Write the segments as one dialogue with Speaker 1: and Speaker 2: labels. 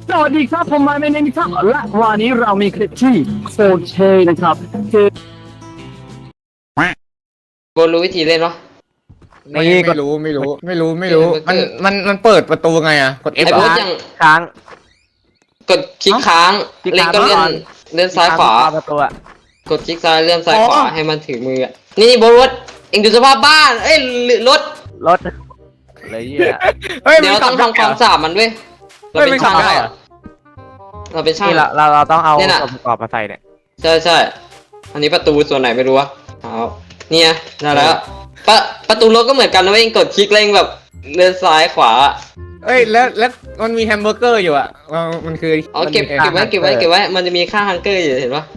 Speaker 1: สวัสดีครับผมมาในนิครับและวันนี้เรามีคลิปที่โอเคนะครับคือ
Speaker 2: โบรู้วิธีเล่นปะ
Speaker 3: ไม่รู้มันเปิดประตูไงอ่ะกด F
Speaker 2: ไอ้
Speaker 3: เหร
Speaker 2: โบ๊
Speaker 3: อ
Speaker 2: ทยัง
Speaker 4: ค้าง
Speaker 2: กดคลิกค้าง
Speaker 4: คลิก
Speaker 2: เล่น
Speaker 4: ค้าง
Speaker 2: ก็เลื่อน
Speaker 4: ก่อน
Speaker 2: เลื่อนซ้ายขวา
Speaker 4: ประตูอะ
Speaker 2: กดคลิกซ้ายเลื่อนซ้ายขวาให้มันถึงมืออะนี่โบ๊ทเอ็งดูสภาพบ้านเอ้ยรถ
Speaker 4: รถเลยเหี้ย
Speaker 3: เฮ้ย
Speaker 2: เดี๋ยวเราต้องทำความสะอาดมันด้วยเรา
Speaker 3: เฮ้ย
Speaker 2: เป็
Speaker 3: มัน
Speaker 2: นช่าง
Speaker 3: ขับได้เหรอ
Speaker 2: เราเป็นช่าง
Speaker 4: นี่เราต้องเอา
Speaker 2: เนี่ยน่ะ
Speaker 4: ส่วนประกอบมาใส่เนี่ย
Speaker 2: ใช่อันนี้ประตูส่วนไหนไม่รู้วะเอาเนี่ยได้แล้วประตูรถก็เหมือนกันนะเว้ยเองกดคลิกเร่งแบบเลื่อนซ้ายขวา
Speaker 3: เอ้ยแล้วมันมีแฮมเบอร์เกอร์อยู่อ่ะมันคือ
Speaker 2: เอาเก็บไว้ มันจะมีค่าฮังเกอร์อยู่เห็นปะ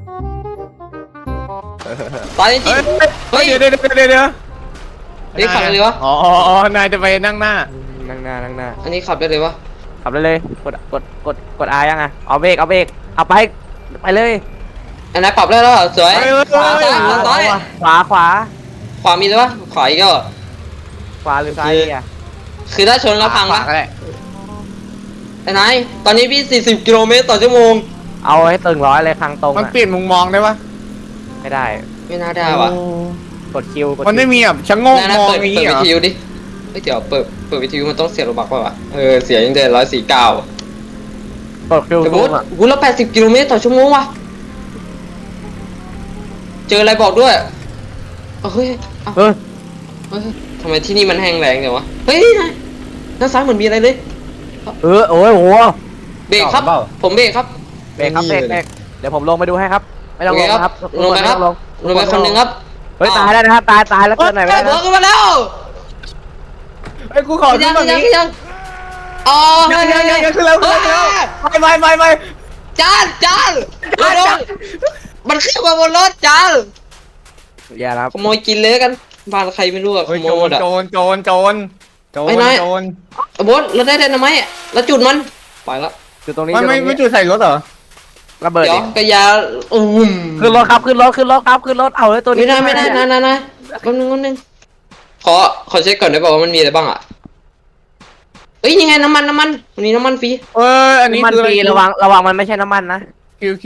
Speaker 2: ตายจริง
Speaker 3: เฮ้ย
Speaker 2: เฮ้ย
Speaker 3: เดี๋ยว
Speaker 2: นี่ขับได้เลยวะ
Speaker 3: อ๋อนายจะไปนั่งหน้า
Speaker 4: นั่งหน้า
Speaker 2: อันนี้ขับได้เลยวะ
Speaker 4: ขับได้เลยกด R ยังอะเอาเบรกเอาไปเลย
Speaker 2: อันนั้นปรับได้แล้วเหรอสวยขวาซ้าย
Speaker 4: ขวา
Speaker 2: ขวามีด้วยปะขวาอีกแล้วเหรอ
Speaker 4: ขวาหรือซ้ายอ่ะ
Speaker 2: คือถ้าชนแล้วพัง
Speaker 3: ขวา
Speaker 2: ปะ
Speaker 3: ก็ได้
Speaker 2: ไอ้นายตอนนี้พี่40กิโลเมตรต่อชั่วโมง
Speaker 4: เอาให้ตึงร้อยเลยคางตรง
Speaker 3: มัน
Speaker 4: อะ
Speaker 3: เปลี่ยนมุมมองได้ปะ
Speaker 4: ไม่ได้
Speaker 2: ไม่น่าได้ว่ะ
Speaker 4: กดคิว
Speaker 3: มันไม่มีแบบชะโงก
Speaker 2: น่าม
Speaker 3: อง
Speaker 2: เปิด
Speaker 3: อย่าง
Speaker 2: วิ
Speaker 3: งี้เหรอ
Speaker 2: ทยุดิเฮ้ยเดี๋ยวเปิดวิทยุมันต้องเสียโลบักป่ะวะเสียยังเดือน149
Speaker 4: กดคิว
Speaker 2: แต่
Speaker 4: ซู
Speaker 2: บูธ
Speaker 4: มอะ
Speaker 2: บูธละ80กิโลเมตรต่อชั่วโมงว่ะเจออะไรบอกด้วยเฮ้ย
Speaker 4: เฮ้ย
Speaker 2: ทำไมที่นี่มันแห้งแล้งเดี๋ยววะเฮ้ยนายด้านซ้ายเหมือนมีอะไรเลย
Speaker 4: โอ้ยโห
Speaker 2: เบรกครับผมเบรกครับ
Speaker 4: เบรกเดี๋ยวผมลงไปดูให้ครับไม่ต้องลงนะครับ
Speaker 2: ลงไปครับลงไปคนหนึ่งครับ
Speaker 4: เฮ้ยตายแล้วนะครับตายแล้วเกินหน่อย
Speaker 2: ได้
Speaker 4: ไม่ได้
Speaker 2: หัวขึ้นมาแล้ว
Speaker 3: เฮ้ยกูขอขึ้นฝั่งนี้
Speaker 2: ยังอ๋อ
Speaker 3: ยังขึ้นแล้วไป
Speaker 2: จานรถมันขึ้นมาบนรถจาน
Speaker 4: อย่าครับ
Speaker 2: ขโมยกินเลยกันบ้านใครไม่รู้อะข
Speaker 3: เฮ้ย
Speaker 2: โมยหมดอะ
Speaker 3: โจร
Speaker 2: บอสเราได้ไดนาไมต์แล้วจุดมันไปละ
Speaker 4: คือตรงนี้
Speaker 3: ไม่จุดใส่รถเหรอ
Speaker 4: ระเบิด
Speaker 2: เดี๋ยวกระยา
Speaker 4: ขึ้นรถครับขึ้นรถเอาเลยตัวนี้
Speaker 2: ไม่ได้นะแป๊บนึงขอเช็คก่อนได้ป่าวว่ามันมีอะไรบ้างอะเอ้ยยังไงน้ำมันวันนี้น้ำมันฟรี
Speaker 3: อันนี้
Speaker 4: มัน
Speaker 3: คือ
Speaker 4: ฟรีระวังมันไม่ใช่น้ำมันนะ
Speaker 3: คิว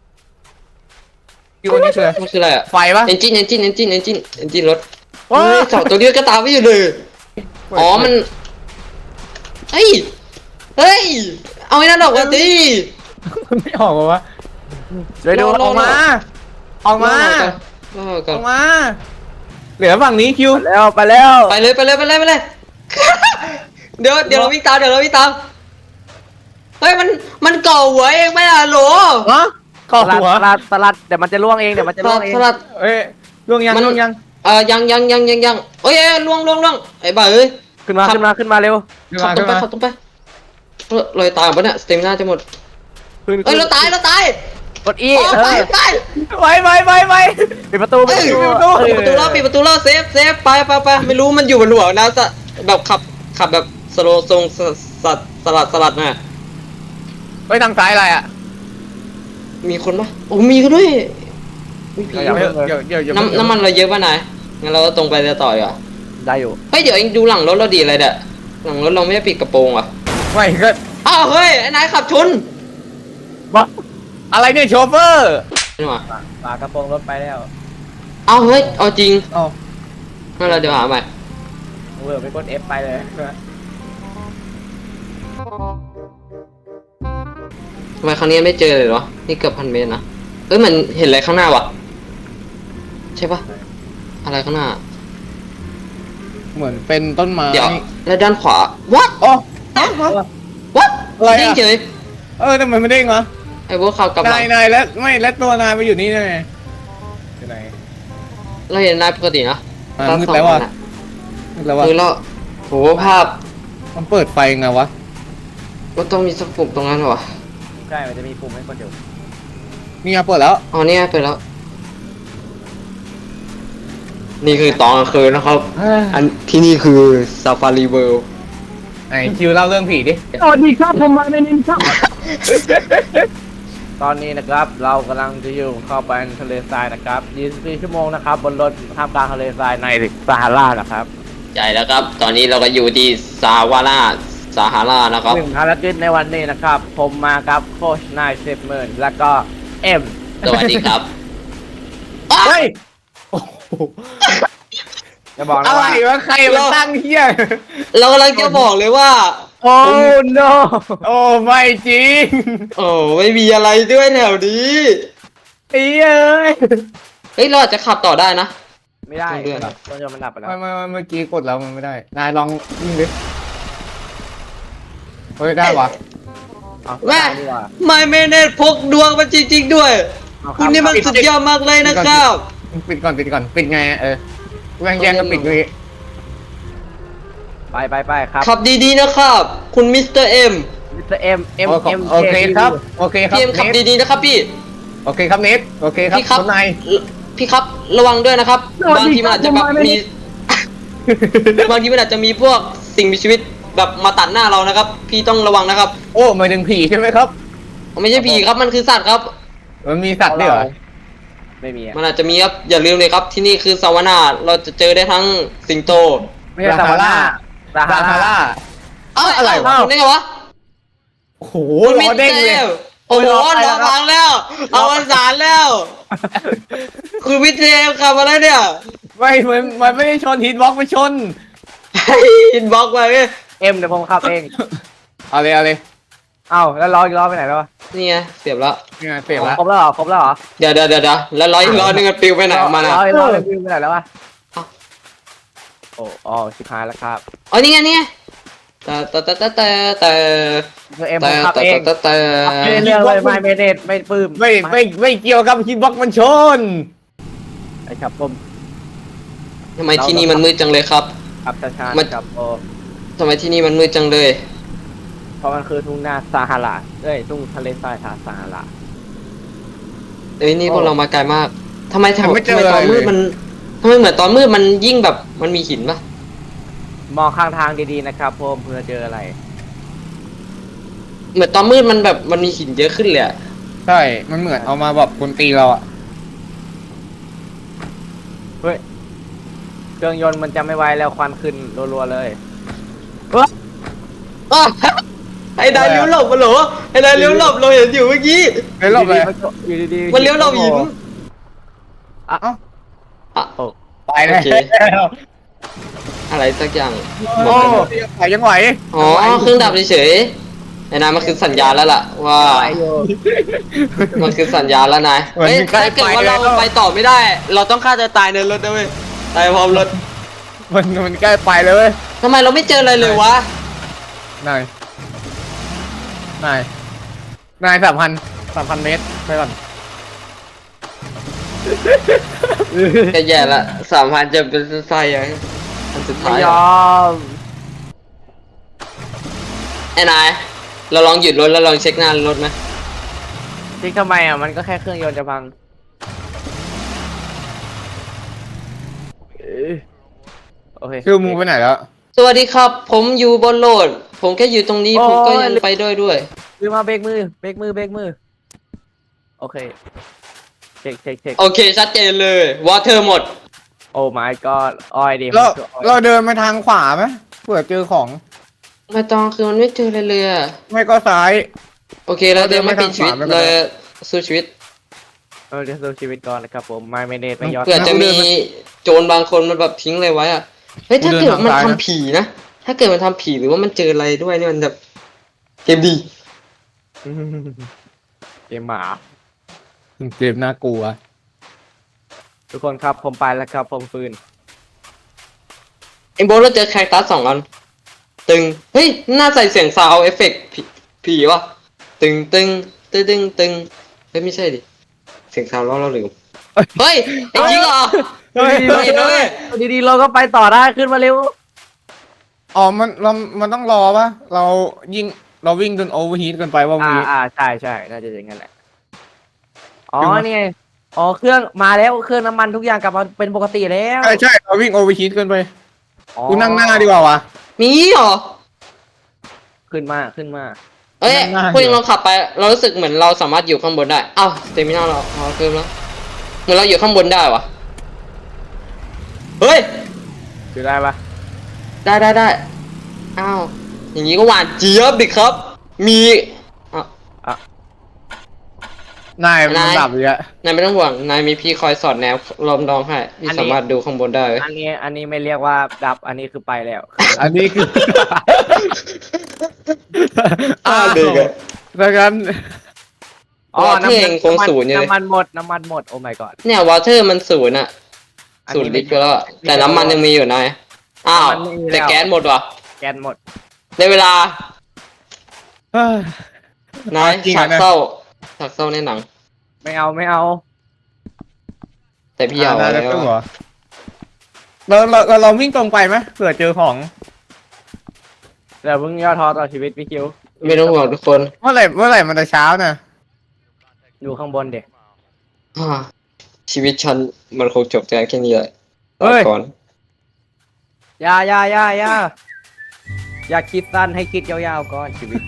Speaker 3: อันนี้คือ
Speaker 2: มันคืออะไรอะ
Speaker 3: ไฟปะ
Speaker 2: เอนจินรถ
Speaker 3: ว้า
Speaker 2: เจาะตัวเดียวก็ตามไม่อยู่เลยอ๋อมันเฮ้ยเอาไอ้นั่นออกมาดิ
Speaker 3: มันไม่ออกวะ
Speaker 4: ช่วยดู
Speaker 3: ออกมา
Speaker 2: รอก่อน
Speaker 3: เหลือฝั่งนี้คิว
Speaker 4: ไปแล้ว
Speaker 2: ไปเลย เดี๋ยวเราวิ่งตามเฮ้ยมันเก่าหัวเองไม่ล่ะโหล
Speaker 3: ฮะขอหัว
Speaker 4: สลัดเดี๋ยวมันจะล่วงเอง
Speaker 2: สลัด
Speaker 3: เอ้ยล่วงยัง
Speaker 2: ยังเอ้ยล่วงไอ้บ้าเอ้ย
Speaker 4: ขึ้นมาเร็ว
Speaker 2: ขับตรงไปลอยตายปะเนี่ยสเตมิน่าจะหมดเอ้ยเราตาย
Speaker 4: กด E
Speaker 2: ไป
Speaker 3: ไป
Speaker 4: ปิดประตู
Speaker 2: ปิดประตูแล้วเซฟไปไม่รู้มันอยู่บนหัวนะแบบขับแบบสโลทรงสลัดน่ะ
Speaker 3: ไปทางซ้ายอะไรอ่ะ
Speaker 2: มีคนปะโอ้มีกันด้วยมีผี
Speaker 3: เดี๋ยว
Speaker 2: น้ำมันเราเยอะป่ะนายงั้นเราก็ตรงไปจะต่ออ่ะ
Speaker 4: ได้อยู่
Speaker 2: เฮ้ยเดี๋ยวเองดูหลังรถเราดีอะไรเด้อหลังรถเราไม่ได้ปิดกระโปรงอ่ะ
Speaker 3: ไม่ก็
Speaker 2: อ้าวเฮ้ยไอ้นายขับชน
Speaker 4: บ้า
Speaker 3: อะไรเนี่ยโชเฟอร์
Speaker 2: นี่หว่า
Speaker 4: ฝากระโปรงรถไปแล้ว
Speaker 2: อ้าวเฮ้ยเอาจริง
Speaker 3: อ๋อ
Speaker 2: งั้นเราเดี๋ยวหาใหม่
Speaker 4: ไปกด F ไปเลย
Speaker 2: ทำไมครั้งนี้ไม่เจอเลยเหรอนี่เกือบ1,000 เมตรนะเอ้ยมันเห็นอะไรข้างหน้าวะใช่ปะอะไรข้างหน้า
Speaker 3: เหมือนเป็นต้นไม้
Speaker 2: เดี๋ยวแล้วด้านขวา what
Speaker 3: อ๋อ
Speaker 2: what
Speaker 3: อะไร
Speaker 2: เด้ง
Speaker 3: อ่ะ
Speaker 2: เฉย
Speaker 3: ทำไมไม่เด้งวะ
Speaker 2: ไอ้พวกขับกลับหลัง
Speaker 3: นายและตัวนายไปอยู่นี่ได้ไงอยู่ไหน
Speaker 2: เราเห็นนายปกตินะ
Speaker 3: มืดแล้วว่ะมืดแล้วว่ะ
Speaker 2: แล้วโหภาพ
Speaker 3: มันเปิดไฟไงวะ
Speaker 2: ก็ต้องมีสักปุ่มตรงนั้นวะ
Speaker 4: ใช่มันจะมีปุ่มให้กดอยู่
Speaker 3: นี่ไงเปิดแล้ว
Speaker 2: อ๋อเนี่ยไปแล้ว นี่คือตอนกลางคืนนะครับ อันที่นี่คือซาฟารีเวิลด์
Speaker 3: ไอคิวเล่าเรื่องผีดิ
Speaker 1: สวัสดีครับผมมาในนิครับ
Speaker 4: ตอนนี้นะครับเรากำลังจะอยู่เข้าไปในทะเลทรายนะครับ24 ชั่วโมงนะครับบนรถท่ามกลางทะเลทรายในซาฮารานะครับ
Speaker 2: ใช่แล้วครับ ตอนนี้เราก็อยู่ที่ซาวาราซาฮารานะครับ
Speaker 4: หนึ่งภารกิจในวันนี้นะครับ ผมมากับโค้ชนาย70,000แล้วก็เอ็ม
Speaker 2: สวัสดีครับ
Speaker 3: เฮ้ยโอ้โห
Speaker 4: จะบอกนะ
Speaker 3: อะไร
Speaker 4: ว่าว
Speaker 3: ะใครมาตั้งเฮีย
Speaker 2: เรากำลังจะบอกเลยว่า
Speaker 4: โอ้ no
Speaker 3: โอ้ไม่จริง
Speaker 2: โอ้ไม่มีอะไรด้วยแถวนี้
Speaker 3: เอ้ย
Speaker 2: เฮ้ยเราอาจจะขับต่อได้นะ
Speaker 4: ไม่ได้
Speaker 2: ต้องเลื่อน
Speaker 4: ต้นยนต์มันดับไปแล้ว
Speaker 3: ไม่เมื่อกี้กดแล้วมันไม่ได้นายลองยิงดิเฮ้ยได้วะ
Speaker 4: เอา
Speaker 2: แม่
Speaker 4: ดีกว่า
Speaker 2: ไม่เมเนตพกดวงมาจริงๆด้วย
Speaker 4: เอาครับ
Speaker 2: คุณนี่มันสุดยอดมากเลยนะครับ
Speaker 3: ปิดก่อนปิดไงแย่งกันปิดเลย
Speaker 4: ไปครับ
Speaker 2: ขับดีๆนะครับ คุณมิสเตอร์เอ็ม
Speaker 4: มิสเตอร์เอ็ม
Speaker 3: โอเคครับโอเคครับ
Speaker 2: พี่เอ็มขับ
Speaker 3: เนท
Speaker 2: ดีๆนะครับพี่
Speaker 3: โอเคครับเนทโอเคครับ
Speaker 2: พี่ครับ
Speaker 3: คุณนาย
Speaker 2: พี่ครับระวังด้วยนะครับ บางทีมันอาจจะแบบมี บางทีมันอาจจะมีพวกสิ่งมีชีวิตแบบมาตัดหน้าเรานะครับ พี่ต้องระวังนะครับ
Speaker 3: โอ้หมายถึงผีใช่ไหมครับ
Speaker 2: ไม่ใช่ผีครับมันคือสัตว์ครับ
Speaker 3: มันมีสัตว์ด้วยเหรอ
Speaker 4: ไม่มีอะ
Speaker 2: มันอาจจะมีครับอย่าลืมเลยครับที่นี่คือซาวานาเราจะเจอได้ทั้งสิงโต
Speaker 4: ไม่ใช่ซาฮาราซา
Speaker 3: ซาฮา
Speaker 4: ฮารา
Speaker 3: รา
Speaker 2: เอ้า
Speaker 3: อะไรวะ
Speaker 2: คุณได้ไงวะ
Speaker 3: โอ้โห
Speaker 2: คุณ
Speaker 3: ล้อเด้งเลย
Speaker 2: โอ้โหล้อพังแล้วเอาวันสารแล้ว คุณวิเทมขับมาแล้วเนี่ย
Speaker 3: ไม่มันไม่ได้ชนฮิตบ็อกไปชน
Speaker 2: อินบ็อกซ์ไปเว้ย
Speaker 4: เอ็มเดี๋ยวผมขับเอง
Speaker 3: เอาเลย
Speaker 4: เอ้าแล้วล้ออีกล้อไปไหนแล้ววะ
Speaker 2: นี่ไงเสียบแล้ว
Speaker 3: นี่ไงเสร็จแล้ว
Speaker 4: ครบแล้วเหรอครบแล้วเหรอ
Speaker 2: เดี๋ยวแล้วร้อยอีกร้อยนึงมันปลิวไปไหนของมันอ่ะ
Speaker 4: ล้ออีกล้อไปวิ่งไปไหนแล้ววะ
Speaker 2: เอ้า
Speaker 4: อ๋อชิบหายแล้วครับ
Speaker 2: อ๋อนี่ไงแต่
Speaker 4: คือเอ็มผมขับเอง ไม่ได้เรื่องเลยไม่เมเนตไม่ปลื้ม
Speaker 3: ไม่เกี่ยวกับฮิตบ็อกมันชน
Speaker 4: ไอ้ครับผม
Speaker 2: ทำไมที่นี่มันมืดจังเลยครับ
Speaker 4: ขับช้า
Speaker 2: มัน
Speaker 4: ๆครับโอ้
Speaker 2: ทำไมที่นี่มันมืดจังเลย
Speaker 4: เพราะมันคือทุ่งนาซาฮาราทุ่งทะเลทรายซาฮารา
Speaker 2: เอ้ยนี่พวกเรามาไกลมากทำไม
Speaker 3: ไม่เจอ
Speaker 2: ตอนมืด
Speaker 3: เลย
Speaker 2: มันทำไมเหมือนตอนมืดมันยิ่งแบบมันมีหินปะ
Speaker 4: มองข้างทางดีๆนะครับผมเพื่อเจออะไร
Speaker 2: เหมือนตอนมืดมันแบบมันมีหินเยอะขึ้นเลยอะ
Speaker 3: ใช่ มันเหมือนเอามาแบบคนตีเราอ่ะ
Speaker 4: เฮ้ยเครื่องยนต์มันจะไม่ไหวแล้วควันขึ้นรัวๆเลย
Speaker 2: อ้าวไอ้นายเลี้ยวหลบมาเหรอไอ้นายเลี้ยวหลบเราเห็นอยู่เมื่อกี้
Speaker 3: เฮ้ยรอบเลย
Speaker 4: อยู่ดีๆ
Speaker 2: มันเลี้ยวหลบหิน
Speaker 4: อ่ะ
Speaker 3: เอ้า
Speaker 2: อ่ะ
Speaker 4: โอ้
Speaker 3: ตายแล้ว
Speaker 2: โอเค อะไรสักอย่าง
Speaker 3: โอ้ยังไหว
Speaker 2: อ๋อเครื่องดับเฉยๆไอ้นายมันคือสัญญาณแล้วล่ะว่า
Speaker 4: ไปอยู่
Speaker 2: มันคือสัญญาณแล้วนายเฮ้ยถ้าเกิดว่าเราไปต่อไม่ได้ เราต้องฆ่าตัวตายในรถนะเว้ยตายพร้อมรถ
Speaker 3: มันใกล้ไปเลยเว้ย
Speaker 2: ทำไมเราไม่เจออะไรเลยวะ
Speaker 3: นาย3,000 เมตรไปก่อน
Speaker 2: จะแย่ละ3,000จะเป็นไส้ยังอันสุด
Speaker 4: ไม่
Speaker 2: ท้าย
Speaker 4: ยอม
Speaker 2: ไอ้นายเราลองหยุดรถแล้วลองเช็คหน้ารถไหม
Speaker 4: จริงทำไมอ่ะมันก็แค่เครื่องยนต์จะพังโอเค
Speaker 3: คือมูไปไหนแล้ว
Speaker 2: สวัสดีครับ ผมอยู่บนโหลด ผมแค่อยู่ตรงนี้ผมก็ยังไปด้วย
Speaker 4: ลืมมาเบรกมือโอเคเช็ค
Speaker 2: โอเคชัดเจนเลยวอเตอร์หมด
Speaker 4: โอ้ my god อ้อยดิ
Speaker 3: เราเดินไปทางขวาไหมเผื่อเจอของ
Speaker 2: ไม่ต้องคือมันไม่เจออะไรเลยอะ
Speaker 3: ไม่ก็ซ้าย
Speaker 2: โอเคเราเดินไม่ปิดชีวิต
Speaker 3: ไม่เป็นไร
Speaker 2: เลยสู้ชีวิต
Speaker 4: เดี๋ยวสู้ชีวิตก่อนนะครับผมไม่เมเนตไม่ยอด
Speaker 2: เผื่อจะมีโจรบางคนมันแบบทิ้งอะไรไว้อะเฮ้ยถ้าเกิดมันทำผีนะถ้าเกิดมันทำผีหรือว่ามันเจออะไรด้วยเนี่ยมันแบบเกมดี
Speaker 4: เกมหมา
Speaker 3: เกมน่ากลัว
Speaker 4: ทุกคนครับผมไปแล้วครับผมฟื้น
Speaker 2: เอ็มโบเราเจอแคคตัส2 อันตึงเฮ้ยน่าใส่เสียงซาวเอฟเฟกต์ผีวะตึงเฮ้ยไม่ใช่ดิเสียงซาวเราลืมเฮ้ยไอ้จริงเหรอ
Speaker 3: เฮ้ย
Speaker 2: เห็นด้วย
Speaker 4: ดีๆเราก็ไปต่อได้ขึ้นมาเร็ว
Speaker 3: อ๋อมันต้องรอปะเราวิ่งจนโอเวอร์ฮีทกันไปว่ามี
Speaker 4: ใช่น่าจะอย่างนั้นแหละอ๋อนี่ไงอ๋อเครื่องมาแล้วเครื่องน้ำมันทุกอย่างกลับมาเป็นปกติแล้ว
Speaker 3: ใช่เราวิ่งโอเวอร์ฮีทกันไป
Speaker 4: อ๋อ
Speaker 3: กูนั่งหน้าดีกว่าวะ
Speaker 2: มีเหรอ
Speaker 4: ขึ้นมา
Speaker 2: เอ้ย
Speaker 3: นั่งหน้า
Speaker 2: พูดยังเราขับไปเรารู้สึกเหมือนเราสามารถอยู่ข้างบนได้อ้าวสเตมินาเราเพิ่มแล้วเหมือนเราอยู่ข้างบนได้วะเฮ้ย
Speaker 4: อยู่ได้ปะ
Speaker 2: ได้อ้าวอย่างนี้ก็หวานเจี๊ยบดิครับ มีอ่ะ
Speaker 3: นายมันดับเลยอะ
Speaker 2: นายไม่ต้องห่วงนายมีพี่คอยสอดแนวล้อมรองให้พี่สามารถดูข้างบนได้เว้ย
Speaker 4: อันนี้ไม่เรียกว่าดับอันนี้คือไปแล้ว
Speaker 3: อันนี้คือ
Speaker 2: เด็กอะ
Speaker 3: ดังนั้น
Speaker 4: อ๋อ
Speaker 2: วอเตอร์เองคงศูนย์อยู่เลย
Speaker 4: น้ำมันหมดโอ้ my god
Speaker 2: เนี่ยวอเตอร์มันศูนย์อะ
Speaker 4: อัน
Speaker 2: ศู
Speaker 4: นี้
Speaker 2: นย์ลิตรไปแล้วอะแต่น้ำมันยังมีอยู่นายอ้าว
Speaker 4: น้ำมันไม่มีแล้ว
Speaker 2: แต่แก๊สหมดว่ะ
Speaker 4: แก๊สหมด
Speaker 2: ในเวลา
Speaker 3: เฮ้ย
Speaker 2: นาย
Speaker 3: จริง
Speaker 2: ฉา
Speaker 3: อะ
Speaker 2: ก
Speaker 3: นะ
Speaker 2: เศร้าฉากเศร้าในหนัง
Speaker 4: ไม่เอา
Speaker 2: แต่พี่เอา
Speaker 3: นาย
Speaker 2: แล้
Speaker 3: จะ
Speaker 2: ว
Speaker 3: ตู้เหรอเราวิ่งตรงไปไหมเผื่อเจอของ
Speaker 4: เดี๋ยวเพิ่งย่อท้อต่อชีวิตพี่คิว
Speaker 2: ไม่ต้องห่วงทุกคน
Speaker 3: เมื่อไหร่มันจะเช้าน่ะ
Speaker 4: อยู่ข้างบนเด็ก
Speaker 2: อ่าชีวิตฉันมันคงจบแต่แค่นี้แหละ
Speaker 3: เฮ้ย
Speaker 2: ก่อน
Speaker 4: อย่าอย่าคิดสั้นให้คิดยาวๆก่อนชีวิต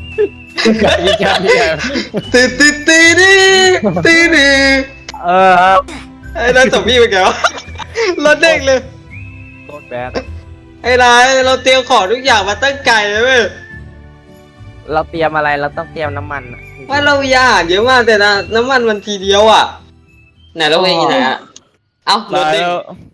Speaker 2: ตีตีตีดิตีดิ
Speaker 4: เออ
Speaker 2: ไอ้นั่นสมพี่ไปแกวะรถเด้งเลย
Speaker 4: โคตรแบด
Speaker 2: ไอ้นายเราเตรียมของทุกอย่างมาตั้งไกลเลยเว้ย
Speaker 4: เราเตรียมอะไรเราต้องเตรียมน้ำมันอะ
Speaker 2: ว่าเราอยากเยอะมากแต่นะน้ำมันมันทีเดียวอ่ะไหนเราเองอยู่ไหนอ่ะเอ้ารถ
Speaker 3: ตาย
Speaker 2: เด้ง
Speaker 3: แล้ว